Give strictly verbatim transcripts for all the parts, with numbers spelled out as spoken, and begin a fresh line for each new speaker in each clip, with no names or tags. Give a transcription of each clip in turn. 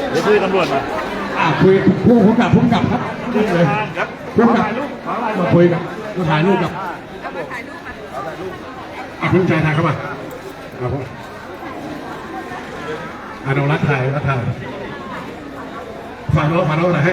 เดี๋ยวคุยตำรวจมา
อ่าคุยผู้กำกับผู้กำกับครับเลยผู้กำกับมาคุยกับมาถ่ายรูปกับอ่ะพี่ชายถ่ายเข้ามาครับผมอ่ะน้องรักถ่ายรักถ่ายฝากน้องฝากน้องหน่อยให้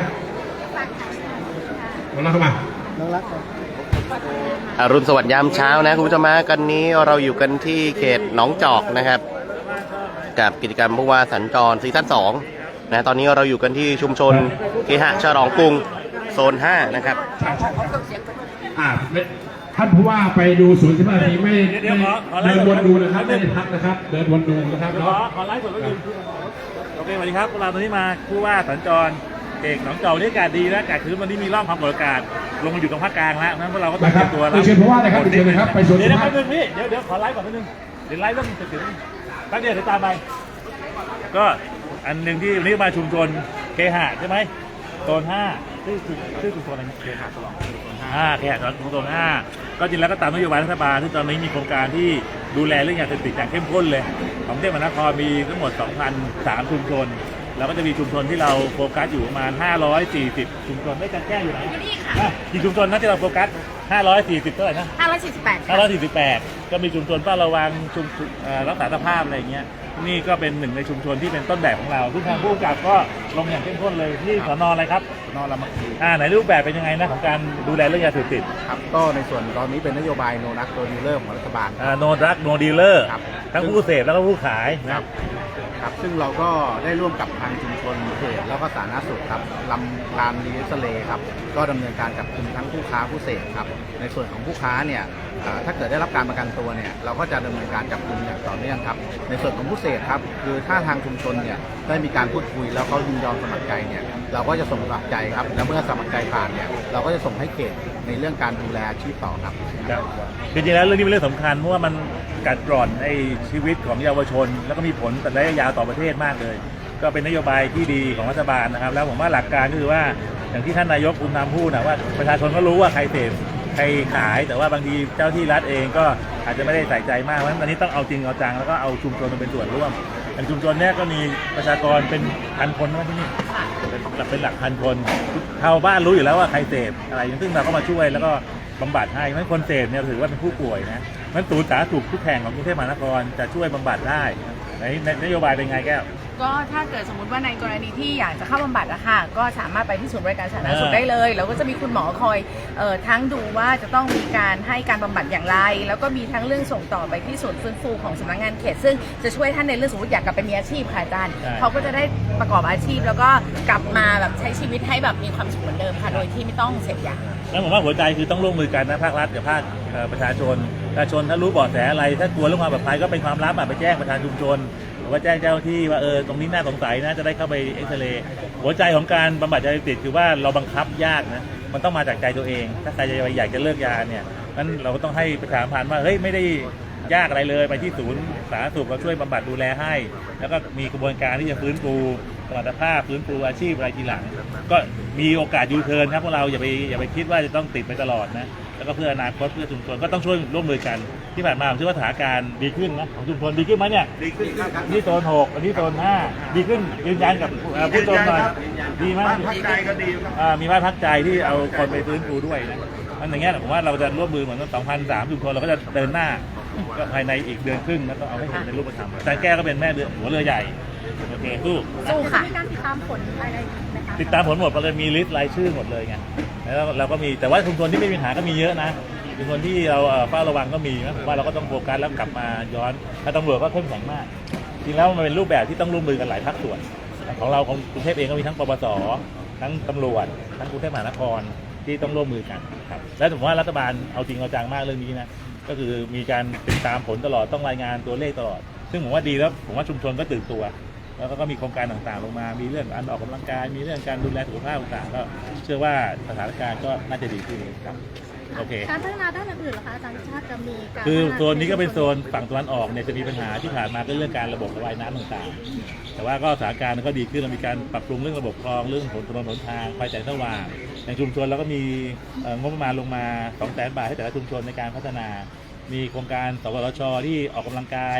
น้องรักเข้ามาน้องรัก
อรุณสวัสดิ์ยามเช้านะคุณผู้ชมมากันนี้เราอยู่กันที่เขตหนองจอกนะครับกับกิจกรรมผู้ว่าสัญจรซีซั่นสองนะตอนนี้เราอยู่กันที่ชุมชนเคหะฉลองกรุงโซนห้านะครับ
อ่าท่านผู้ว่าไปดูศูนย์สิบนาทีไม่เดินวนดูนะครับไม่ได้พักนะครับเดินวนดูนะครับ
ขอขอไลฟ์สดก็คือโอเคสวัสดีครับเราตอนนี้มาผู้ว่าสัญจรเอกหนองจอกนี่อากาศดีนะอากาศคือวันนี้มีร่องความกดอากาศลงมาอยู่ตรงภาคกลางแล้วนั้นพวกเราก็ต้องเตรียมตัวแล้ว
เชิญผู้ว่าเลยครับเชิญเลยครับไปสวน
เดี๋ยวแป๊บนึงพี่เดี๋ยวเดี๋ยวขอไลฟ์ก่อนแป๊บนึงเดี๋ยวไลฟ์เรื่องจะถึงแป๊บเดียวเดี๋ยวตามไปก็อันหนึ่งที่วันนี้มาชุมชนเคหะใช่ไหมโซนห้าชื่อชื่อชุมชนอะไรเคหะฉลองห้าเคหะฉลองโซนห้าก็จริงแล้วก็ตามนโยบายรัฐบาลที่ตอนนี้มีโครงการที่ดูแลเรื่องยาเสพติดอย่างเข้มข้นเลยของกรุงเทพมหานครมีทั้งหมด สองพันสาม ชุมชนแล้วก็จะมีชุมชนที่เราโฟกัสอยู่ประมาณห้าร้อยสี่สิบชุมชนไม่กันแก้อยู่ไหน
นี่ค่ะ
กี่ชุมชนนะที่เราโฟกัสห้าร้อยสี่สิบเท่าไหร่นะ
ห้าร้อยสี่สิบแปด
ห้าร้อยสี่สิบแปดก็มีชุมชนเฝ้าระวังชุมรักษาสภาพอะไรอย่างเงี้ยนี่ก็เป็นหนึ่งในชุมชนที่เป็นต้นแบบของเราซึ่งทางผู้กำกับก็ลงอย่างเข้มข้นเลยที่สน.อะไรครับ
สน.รามาคี
อ่าไหนรูปแบบเป็นยังไงนะของการดูแลเรื่องยาเสพติด
ครับก็ในส่วนตอนนี้เป็นนโยบายโนนักโดดีลเลอร์ของรัฐบาล
อ่าโนรักโนดีลเลอร์ทั้งผู้เสพแล้วก็ผู้ขายนะครับ
ครับซึ่งเราก็ได้ร่วมกับทางชุมชนเขตแล้วก็สาธารณสุขครับลำลานรีสเลครับก็ดำเนินการจับกุมทั้งผู้ค้าผู้เสพครับในส่วนของผู้ค้าเนี่ยถ้าเกิดได้รับการประกันตัวเนี่ยเราก็จะดำเนินการจับกุมอย่างต่อเนื่องครับในส่วนของผู้เสพครับคือถ้าทางชุมชนเนี่ยได้มีการพูดคุยแล้วเขายินยอมสมัครใจเนี่ยเราก็จะส่งสมัครใจครับแล้วเมื่อสมัครใจผ่านเนี่ยเราก็จะส่งให้เขตในเรื่องการดูแลอาชีพต่อครับ
จริงๆแล้วเรื่องนี้เป็นเรื่องสำคัญเพราะว่ามันกัดกร่อนในชีวิตของเยาวชนแล้วก็มีผลต่อระยะยาวต่อประเทศมากเลยก็เป็นนโยบายที่ดีของรัฐบาลนะครับแล้วผมว่าหลักการก็คือว่าอย่างที่ท่านนายกภูมิธรรมพูดนะว่าประชาชนก็รู้ว่าใครเสพใครขายแต่ว่าบางทีเจ้าที่รัฐเองก็อาจจะไม่ได้ใส่ใจมากเพราะฉะนั้นตอนนี้ต้องเอาจริงเอาจังแล้วก็เอาชุมชนมาเป็นส่วนร่วมอย่างชุมชนเนี้ยก็มีประชากรเป็นพันคนนะที่นี่เป็นหลักพันคนชาวบ้านรู้อยู่แล้วว่าใครเสพอะไรซึ่งเราก็มาช่วยแล้วก็บำบัดให้เพราะคนเสพเนี่ยถือว่าเป็นผู้ป่วยนะมันศูนย์สาธารณสุขทุกแห่งของกรุงเทพมหานครจะช่วยบำบัดได้ในนโยบายเป็นไงแก้ว
ก็ถ้าเกิดสมมติว่าในกรณีที่อยากจะเข้าบำบัดอะค่ะก็สามารถไปที่ศูนย์บริการสาธารณสุขได้เลยแล้วก็จะมีคุณหมอคอยเอ่อทั้งดูว่าจะต้องมีการให้การบำบัดอย่างไรแล้วก็มีทั้งเรื่องส่งต่อไปที่ศูนย์ฟื้นฟูของสำนักงานเขตซึ่งจะช่วยท่านในเรื่องสมมติอยากกลับไปมีอาชีพค่ะอาจารย์เขาก็จะได้ประกอบอาชีพแล้วก็กลับมาแบบใช้ชีวิตให้แบบมีความสุขเหมือนเดิมค่ะโดยที่ไม่ต้องเสพยา
แล้วผมว่าหัวใจคือต้องร่วมมือกันนะภาครัฐกับภาคประชาชนประชาชนถ้ารู้เบาะแสอะไรถ้ากลัวเรื่องความปลอดภัยก็เป็นความลับไปแจ้งประธานชุมชนหรือว่าแจ้งเจ้าที่ว่าเออตรงนี้น่าสงสัยนะจะได้เข้าไปเอ็กซเรย์หัวใจของการบำบัดยาเสพติดคือว่าเราบังคับยากนะมันต้องมาจากใจตัวเองถ้าใครจะอยากจะเลิกยาเนี่ยนั้นเราก็ต้องให้ประชาสัมพันธ์ว่าเฮ้ยไม่ได้ยากอะไรเลยไปที่ศูนย์สาธารณสุขเราช่วยบำบัดดูแลให้แล้วก็มีกระบวนการที่จะฟื้นฟูสมรรถภาพฟื้นฟูอาชีพอะไรทีหลังก็มีโอกาสยูเทิร์นครับพวกเราอย่าไปอย่าไปคิดว่าจะต้องติดไปตลอดนะแล้วก็เพื่ออนาคตเพื่อชุมชนก็ต้องช่วยร่วมมือกันที่ผ่านมาผมเชื่อว่าสถานการณ์ดีขึ้นนะของชุมชนดีขึ้นไหมเนี่ยดีขึ้นครับนี่โซนหกอันนี้โซนห้าดีขึ้นยืนยันกับผู้ชมหน่อยดีมากพักใจก็ดีครับมีบ้านพักใจที่เอาคนไปฟื้นฟูด้วยนะอันอย่างเงี้ยผมว่าเราจะร่วมมือเหมือนสองพันสามชุมชนเราก็จะเดินหน้าก็ภายในอีกเดือนครึ่งแล้วก็เอาให้เห็นในรูปธรรมแต่แก้ก็เป็นแม่เรือหัวเรือใหญ่โอเคสู้
สู้ค่ะมีการติดตามผลอะไร
นะคะติดตามผลหมดเราเลยมีลิสต์รายชื่อหมดเลยไงแล้วเราก็มีแต่ว่าชุมชนที่ไม่มีปัญหาก็มีเยอะนะชุมชนที่เราเฝ้าระวังก็มีนะผมว่าเราก็ต้องโฟกัสแล้วกลับมาย้อนถ้าตำรวจก็เข้มแข็งมากจริงแล้วมันเป็นรูปแบบที่ต้องร่วมมือกันหลายภาคส่วนของเราของกรุงเทพเองก็มีทั้งปปส.ทั้งตำรวจทั้งกรุงเทพมหานครที่ต้องร่วมมือกันครับและผมว่ารัฐบาลเอาจริงเอาจังมากเรื่องนี้นะก็คือมีการติดตามผลตลอดต้องรายงานตัวเลขตลอดซึ่งผมว่าดีแล้วผมว่าชุมชนก็ตื่นตัวแล้วก็มีโครงการต่างๆลงมามีเรื่องการออกกำลังกายมีเรื่องการดูแลสุขภาพต่างๆก็เชื่อว่าสถานการณ์ก็น่าจะดีขึ้นครับโอเค
การพัฒนาด้านอื่นๆเหรอคะอาจารย์ชาติจะมีการ
คือโซนนี้ก็เป็นโซนฝั่งตะวันออกเนี่ยจะมีปัญหาที่ผ่านมาก็เรื่องการระบบระบายน้ำต่างๆแต่ว่าก็สถานการณ์ก็ดีขึ้นเรามีการปรับปรุงเรื่องระบบคลองเรื่องผลถนนหนทางไฟแสงสว่างในชุมชนเราก็มีงบประมาณลงมาสองแสนบาทให้แต่ละชุมชนในการพัฒนามีโครงการสวทช.ที่ออกกำลังกาย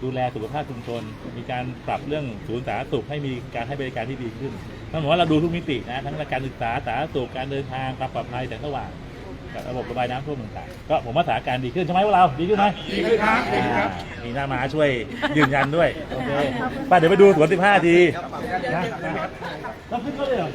ดูแลสุขภาพชุมชนมีการปรับเรื่องศูนย์สาธารณสุขให้มีการให้บริการที่ดีขึ้นนั่นหมายว่าเราดูทุกมิตินะทั้งการศึกษาสาธารณสุขการเดินทางความปลอดภัยแสงสว่างกับระบบระบายน้ำท่วมต่างๆก็ผมว่าสถานการณ์ดีขึ้นใช่ไหมพวกเราดีขึ้นไหมดีขึ้นครับอ่ามีหน้ามาช่วยยืนยันด้วยโอเคไปเดี๋ยวไปดูสวนสิบห้าทีนะต้องขึ้นเขาเลยเหรอ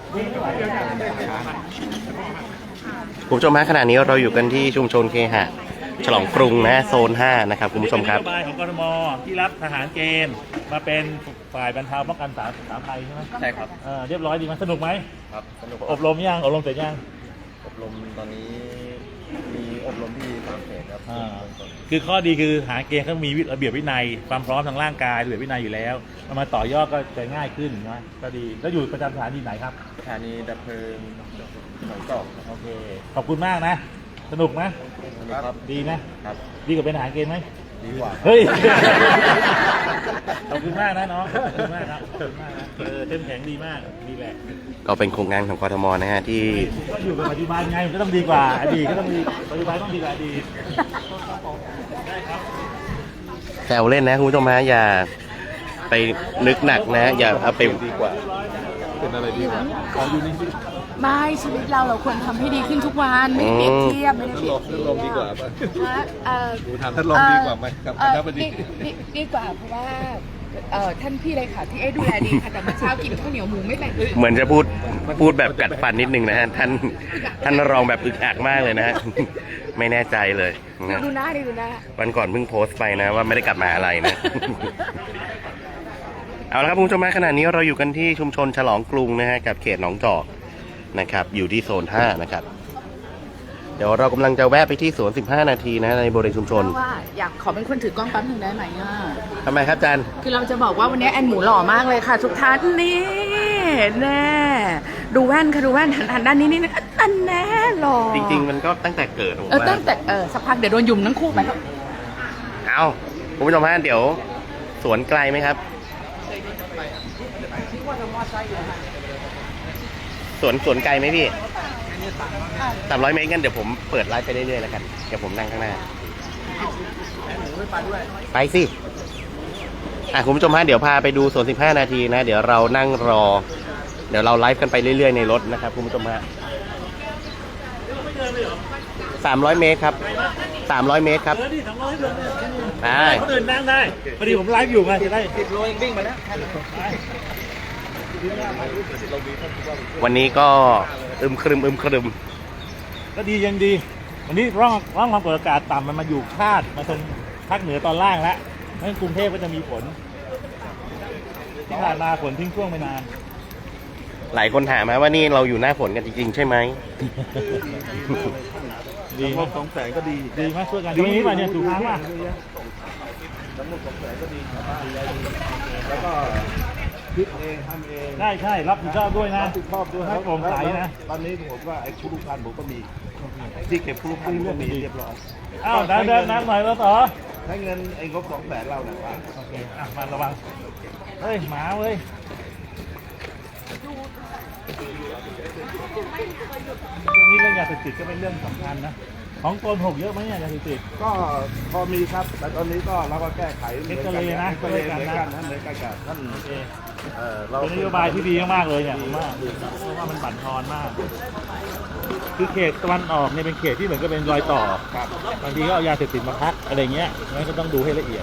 คุณผู้ชมฮะขณะนี้เราอยู่กันที่ชุมชนเคหะฉลองกรุงนะโซนห้านะครับคุณผู้ชมครับ
นโยบายของกทมที่รับทหารเกณฑ์มาเป็นฝ่ายบรรเทาป้องกันสาธารณภัยใช่ไหมใช่ครับเรียบร้อยดีมันสนุกไหมครับสนุกอบรมยังอบรมเสร็จยัง
อบรมตอนนี้มีอบรมที่สามเขตครับ
อ่าคือข้อดีคือทหารเกณฑ์เขามีระเบียบวินัยความพร้อมทางร่างกายระเบียบวินัยอยู่แล้วเอามาต่อยอดก็จะง่ายขึ้นนะก็ดีแล้วอยู่ประจำสถานีไหนครับ
สถานีดับเพลิงหนองจอกครับ
โอเคขอบคุณมากนะสนุกไหม
ครับ
ดีไหม
ครับ
ดีกว่าเป็นทหารเกณฑ์ไหม
ดีกว่า
เฮ้ย ขอบคุณมากนะน้อง ขอบคุณมากครับ ขอบคุณมากนะเออเข้มแข็งดีมาก ดีแหละ
ก็เป็นโครงงานของกทมนะฮะที่
ก็อยู่กับปัจจุบันไงมันก็ต้องดีกว่า อดีตก็ต้องดีปัจจุบันต้องดีกว่าอดีตได้ครับ
แซวเล่นนะคุณผู้ชมฮะอย่าไปนึกหนักนะ อย่าเอาไป
ดีกว่า เป็นอะไรดีกว่าขออยู่นี่
ไม่ชีวิตเราเราควรทำให้ดีขึ้นทุกวันไม่เปรียบเทียบไม่ได้เปรียบเทียบ
ลมดีกว่าป่ะ
นะเอ่อ
ดูทางท่านลมดีกว่าไหมครับ
เอ่อ
ครับวัน
ดี
นี้
ดีดีกว่าเพราะว่าเอ่อท่านพี่เลยค่ะที่ไอ้ดูแลดีค่ะแต่เมื่อเช้ากินข้าวเหนียวหมูไม่แบ่ง
เหมือนจะพูดพูดแบบกัดฟันนิดนึงนะฮะท่านท่านรองแบบอึกอักมากเลยนะฮะไม่แน่ใจเลยนะ
ดูหน้าดิดูหน้า
วันก่อนเพิ่งโพสต์ไปนะว่าไม่ได้กลับมาอะไรนะ เอาละครับคุณผู้ชมฮะขณะนี้เราอยู่กันที่ชุมชนฉลองกรุงนะฮะกับเขตหนองจอกนะครับอยู่ที่โซนห้านะครับเดี๋ยวเรากำลังจะแวะไปที่สวนสิบห้านาทีนะในบริเวณชุมชน
เพราะว่าอยากขอเป็นคนถือกล้องแป๊บหนึงได้ไหมอ่ะ
ทำไมครับอาจารย์
คือเราจะบอกว่าวันนี้แอนหมูหล่อมากเลยค่ะ ทุกท่านนี่แน่ดูแว่นค่ะดูแว่นหันหันด้านนี้นี่นะอันแน่หล่อ
จริงๆมันก็ตั้งแต่เกิดผม
เออ
ว่า
ตั้งแต่เออสักพักเดี๋ยวโดนยุมทั้งคู่ไป
เอาคุณผู้ชมฮะเดี๋ยวสวนไกลไหมครับสวนสวนไกลไหมพี่สามร้อยเมตรกันเดี๋ยวผมเปิดไลฟ์ไปเรื่อยๆแล้วกันเดี๋ยวผมนั่งข้างหน้าไปสิอ่ะคุณผู้ชมฮะเดี๋ยวพาไปดูสวนสิบห้านาทีนะเดี๋ยวเรานั่งรอ เดี๋ยวเราไลฟ์กันไปเรื่อยๆในรถนะครับคุณผู้ชมฮะสามร้อยเมตรครับสามร้อยเมตรครับ
เออนี่สองร้อยเดินเนี่ย
ได้
คนอื่นนั่งได้พอดีผมไลฟ์อยู่ไงจะได้
วันนี้ก็อึมครึมอึมครึม
ก็ดียังดีวันนี้ร่องร่องความกดอากาศต่ำมันมาอยู่คาดมาตรงภาคเหนือตอนล่างแล้วนั่นกรุงเทพก็จะมีฝนที่ผ่านมาฝนทิ้งช่วงไปนาน
หลายคนถามมาว่านี่เราอยู่หน้าฝนกันจริงๆใช่ไหม
ดีไหมสองแสนก็ดีดีไหมช่วยกันดีนี้ป่ะเนี่ยถูกทางป่ะ
แล้วก็คิดเองทำเอง
ใช่ใช่รับผิดชอบด้วยนะ
รับผิดชอบด้วย
ให้โปร่งใสนะ
ตอนนี้ผมว่าไอ้ผู้ลูกพันผมก็มี ที่เก็บผู้ลูกพันก็มีเรียบร้อย
อ้าวเดินเดินนั่งหน่อยแล้วต่อ
ใช้เงินไอ้งบสองแสนเราเนี่ยว่า
โอเคอ่ะมาระวังเฮ้ยหมาเว้ยเรื่องนี้เรื่องยาเสพติดก็เป็นเรื่องสำคัญนะของโกนหกเยอะไหมเนี่ยยาเสพติด
ก็พอมีครับ แต่ตอนนี้ก็เราก็แก้ไข
เอ็กซเรย์นะ
เอ็กซเรย์เหมือนกันนะเหมือนกันกับท่าน
โอเค
เอ่อเรา
เป็นนโยบายที่ดีมากๆเลยเนี่ยผมว่าเพราะว่ามันบั่นทอนมาก คือเขตตะวันออกเนี่ยเป็นเขตที่เหมือนกับเป็นรอยต่อ
ครับ
บางทีก็เอายาเสพติดมาพักอะไรเงี้ยงั้นก็ต้องดูให้ละเอียด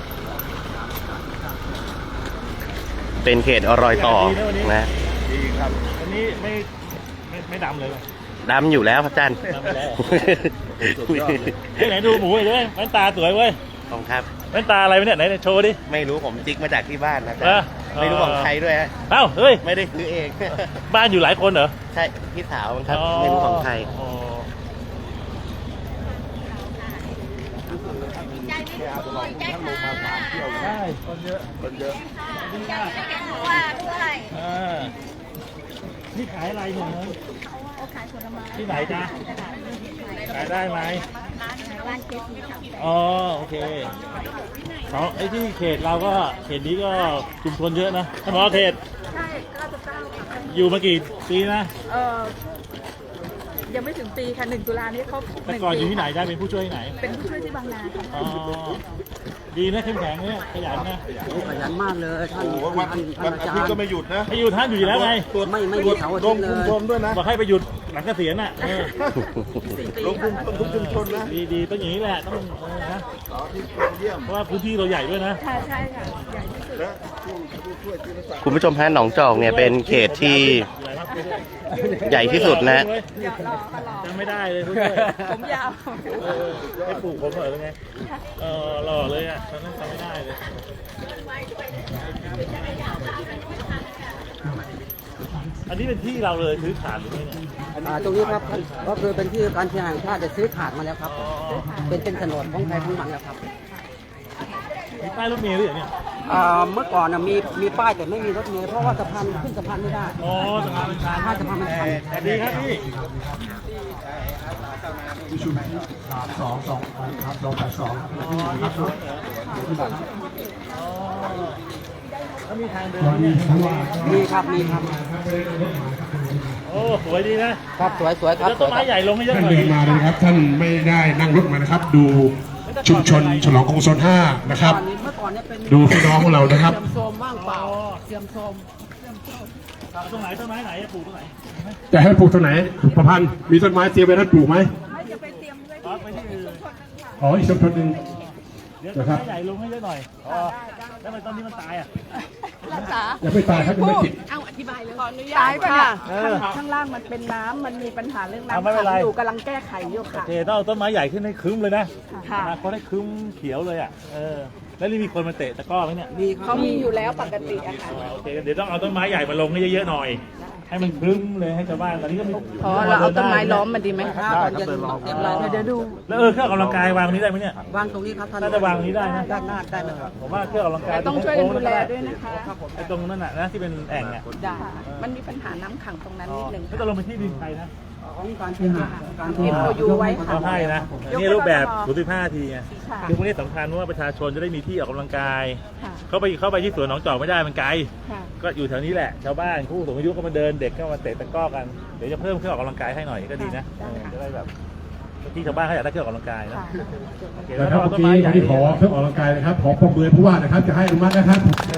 เป็นเขตรอยต่อนะ
ดีครับ
วันนี้ไม่ไม่ไม่ดำเลยว่ะ
ดำอยู่แล้วครับอาจารย์
ดำไปแล้ว
สุดยอดเลย
เฮ้ยไหนดูหมูหน่อยด้วยแว่นตาสวยเว้ย
ของครับ
แว่นตาอะไรวะเนี่ยไหนโชว์ดิ
ไม่รู้ผมจิกมาจากที่บ้านนะอาจาร
เออ
ย์ไม่รู้ของใครด้วยฮะ
เอ้าเฮ้ย
ไม่ได้ซื้อเอง
บ้านอยู่หลายคนเหรอ
ใช่พี่สาวครับไม่รู้ของใคร
อ๋อ ใช่คนเยอะ
คนเยอะ
อ่านี่ขายอะไรเนี่ยเนยที่ไหนจ๊ะขายได้ไหมอ๋อโอเคเขาไอ้ที่เขตเราก็เขตนี้ก็ชุมชนเยอะนะท่านผอเขต
ใช่เก้าสิบเก้าค่ะ
อยู่มากี่ปีนะ
เออ
ยังไม่ถึงปีค่ะหนึ่งตุลานี้ครบห
แต่
นึ่ง
ก่อนอ
ปี
ยู่ที่ไหนได้เป็นผู้ช่วยที่ไหน
เป็นผู้ช่วยที่บางนาค่ะ
อ๋อดีนะเข้มแข็งเนี่ยขยันนะ
ขยันมากเลยท่าน
โอ้โหวัน
ท่าน
วั
ท่าน นอา
อา
จาร
ทิตย์ก็
ย์
ไม่หยุดนะ
ให้อยู่ท่านอยู่แล้วไง
ไม่ไม่มีเสาร์อา
ล
ทิต
ง
ย์เล
ชุมช
ย
นด้วยนะ
บอกให้ไปหยุดหลังเกษียณน่ะเออ
ลงชุมชนทุกชุมชนนะ
ดีดีต้องอย่างนี้แหละต้องเออนะ
เสาร์อาทิตย์เยี่ยม
เพราะว่าพื้นที่เราใหญ่ด้วยนะ
ค่ะใช่ค่ะใหญ่ที่สุด
และผู้ผู้ช่วยจิรศักดิ์
คุณผู้ชมฮะหนองจอกเนี่ยเป็นเขตที่ใหญ่ที่สุดนะ
เดี๋ยวรอก็รอ
จำไม่ได้เลยผู้ช่วย
ผมยาว
เออให้ปลูกผมเหรอหรือไงเออหล่อเลยอ่ะตอนนั้นจำไม่ได้เลยอันนี้เป็นที่เราเลยซื้อขาดหรือไงเนี่ย
อ่าตรงนี้ครับก็คือเป็นที่การเคหะแห่งชาติจะซื้อขาดมาแล้วครับ เป็นเป็นโฉนดของใครของมันแล้วครับ
มีป้ายรถเมล์ด้วยเหรอเนี่ย
อ่าเมื่อก่อนนะมีมีป้ายแต่ไม่มีรถเมล์เพราะว่าสะพานขึ้นสะพานไม่ได้
อ๋อสะพานเป็นชาน
ถ้าสะพานมันชัน
สวัสดีครับพี่
สองสองครับสองแปดสอง
แล้วมีทางเดินไหมเนี่ย
มีครับมีครับ
โอ้สวยดีนะครับ
สวยสวยครับ
แล้ว
ส
ต้
วน ยค
ไม้
รับ
ใหญ่ลงให้เยอะ
ท่าน
หน่อย
เดินมาเลยนะครับท่านไม่ได้นั่งรถมานะครับ ดูชุมชนฉลองกรุงโซนห้านะครับ
ตอนนี้เมื่อก่อนเนี่ยเป็น
ดูพี่น้องของเรานะครับ
เสื่อมโทรมว่างเปล่าเสื่อมโทรม
ตรงไหนต้นไม้ไหนจะปลูกตรงไหน
จะให้ปลูกตรงไหนประพันธ์มีต้นไม้เตรียมไว้ท่านปลูกไหม
ไม่จะไปเตรียมไว้
อ๋อไปที่อื่น
อ๋ออีกชุมชนหนึ่ง
เดี๋ยวต้นไม้ใหญ่ลงให้เยอะหน่อยอ๋อแล้วทำไมต้นนี้มันตายอ่ะ
รักษา
ยังไม่ตายครับยังไม่ติด
เอาอธิบายเลยขออนุญาตตายค่ะ
เออ
ข้างล่างมันเป็นน้ำมันมีปัญหาเรื่อง
เอา
น้ำ
ไม่เป็นไร
ขังอยู่กำลังแก้ไขอยู่
โอ
ค่ะ
เคต้องเอาต้นไม้ใหญ่ขึ้นให้ครึ้มเลยนะ
ค่ะ
นะเขาได้ครึ้มเขียวเลยอ่ะเออแล้วนี่มีคนมาเตะตะกร้อไหมเนี่ย
มีครั
เขา
บ
มีอยู่แล้วปกติอะค่ะ
โอเคเดี๋ยวต้องเอาต้นไม้ใหญ่มาลงให้เยอะๆหน่อย ให้มันครึ้มเลยให้ชาวบ้านตอนนี้ก็มี
พอเราเอาต้นไม้ล้อมมันดีไหม
ถ้าตอนเย็นเย็นเรา
เดี๋ยวดู
แล้วเออเครื่องออกกำลังกายวางตรงนี้ได้ไหมเนี่ย
วางตรงนี้ครับท่าน
น่าจะวางตรงนี้ได้นะ
ด้านหน้าได้ไหมครับ
ผมว่าเครื่องออกกำลังกาย
แต่ต้องช่วยกันดูแลด้วยนะคะ
ไอ้ตรงนั้นน่ะนะที่เป็นแอ่งอ่ะ
ได้มันมีปัญหาน้ำขังตรงนั้นนิดนึง
ไม่ต้องลงไปที่ดินใครนะ
ของการเคหะการเค
เอ็ม
หะ
โอยูไว้ค่ะ
เขาให้นะนี่รูปแบบศูนย์สิบห้าทีไง
ค่ะ
คือพวกนี้สำคัญเพราะว่าประชาชนจะได้มีที่ออกกำลังกาย
ค่ะ
เข้าไปเข้าไปที่สวนหนองจอกไม่ได้มันไกล
ค่ะ
ก็อยู่แถวนี้แหละชาวบ้านผู้สูงอายุก็มาเดินเด็กก็มาเตะตะกร้อกันเดี๋ยวจะเพิ่มเครื่องออกกำลังกายให้หน่อยก็ดีนะจะได้แบบที่ชาวบ้านเขาอยากได้เครื่องออกกำลังกายนะ
ค่ะ
โอเค
นะ
แล้ว
ครับ
ก็
เมื่
เอา
อ
ต้น
กี้
ไม้ใหญ่
วันนี้ขอเครื่องออกกำลังกายนะครับขอประเมินผู้ว่านะครับจะให้อนุมัตินะครับ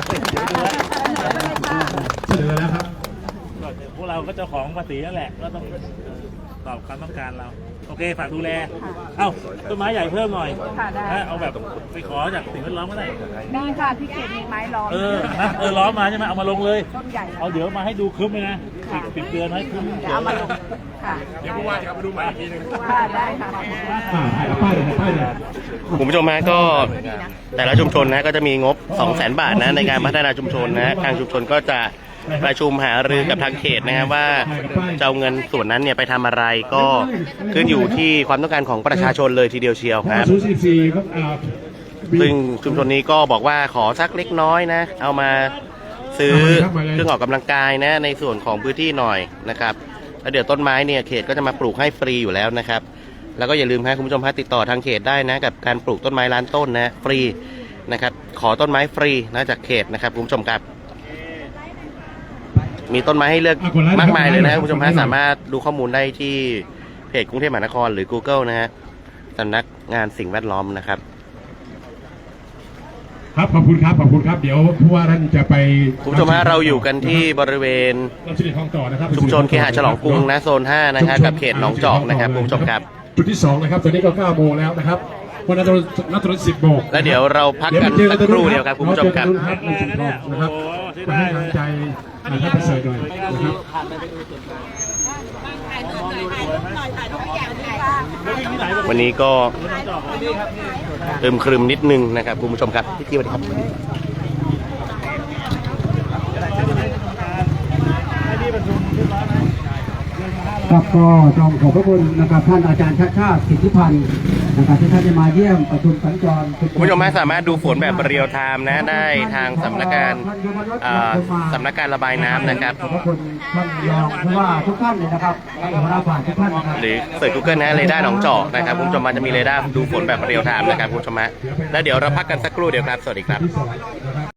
เสนอแล้วครับ
ก็พวกเราก็เจ้าของภาษีนั่นแหละก็ต้องตอบความต้องการเราโอเคฝากดูแลเอ้าต้นไม้ใหญ่เพิ่มหน่อย
ค่ะได้
นะเอาแบบไปขอจากสิ่งแวดล้อมก็ได้
มีค่ะที่เขตมีไม้ล้อม
เออนะเออล้อมมาใช่ไหมเอามาลงเลย
ต้นใหญ่
เอาเดี๋ยวมาให้ดูครึ้มเลยนะปิดปิดเตือนไว้ครึ้ม
เดี๋ยวเอามาลงค่ะ
เดี๋ยวผู้ว่าจะเอาไปดูใหม่อีกทีนึง
ค่ะได้ค่ะ
อ่าให้ป้ายเลยป้ายเลย
คุณผู้ชมฮะก็แต่ละชุมชนนะก็จะมีงบ สองแสน บาทนะในการพัฒนาชุมชนนะทางชุมชนก็จะประชุมหารือกับทางเขตนะครับว่าจะเอาเงินส่วนนั้นเนี่ยไปทำอะไรก็ขึ้นอยู่ที่ความต้องการของประชาชนเลยทีเดียวเชียวครับ
ศูนย์สี่สี่ครับอ่า
ซึ่งชุมชนนี้ก็บอกว่าขอสักเล็กน้อยนะเอามาซื้อเครื่องออกกำลังกายนะในส่วนของพื้นที่หน่อยนะครับแล้วเดี๋ยวต้นไม้เนี่ยเขตก็จะมาปลูกให้ฟรีอยู่แล้วนะครับแล้วก็อย่าลืมนะคุณผู้ชมฮะติดต่อทางเขตได้นะกับการปลูกต้นไม้ล้านต้นนะฟรีนะครับขอต้นไม้ฟรีนะจากเขตนะครับคุณผู้ชมครับมีต้นไม้ให้เลือกมากมายเลยนะคุณผู้ชมฮะสามารถดูข้อมูลได้ที่เพจกรุงเทพมหานครหรือ Google นะฮะสำนักงานสิ่งแวดล้อมนะครับ
ครับขอบคุณครับขอบคุณครับเดี๋ยวผู้ว่าท่านจะไป
คุณผู้ชมฮะเราอยู่กันที่บริเวณ
รับสิริทองต่อนะครับ
ชุมชนเคหะฉลองกรุงนะโซนห้านะครับกับเขตหนองจอกนะครับคุณผู้ชมครับ
จุดที่สองนะครับตอนนี้ก็เก้าโมงแล้วนะครับวันนั้นนัดตอนสิบโมง
แล้วเดี๋ยวเราพักกันสักครู่เดียวครับคุณผู้ชมครับ
ครับในชุมชนนะครับมาให้กำลังใจท่านประเสริฐหน่อยนะครับ
วันนี้ก็อึมครึมนิดนึงนะครับคุณผู้ชมครับพี่ที่สวัสดีครับ
ครับก็ต้องขอบพระคุณนะครับท่านอาจารย์ชาติชาติสิทธิพันธ์นะครับที่ท่านได้มาเยี่ยมประชุมสัญจร
คุณผู้ชมสามารถดูฝนแบบเรียลไทม์นะได้ทางสำนักงานอ่าสำนักการระบายน้ำนะครับ
ขอบพระคุณท่านรองผู้ว่าทุกท่านเลยนะครับและหัวหน้าฝ่ายทุกท่านนะครับ
หรือเสิร์ช Google นะเรดาร์หนองจอกนะครับคุณผู้ชมมันจะมีเรดาร์ดูฝนแบบเรียลไทม์นะครับคุณผู้ชมฮะแล้วเดี๋ยวเราพักกันสักครู่เดียวครับสวัสดีครับ
ที่สองนะครับ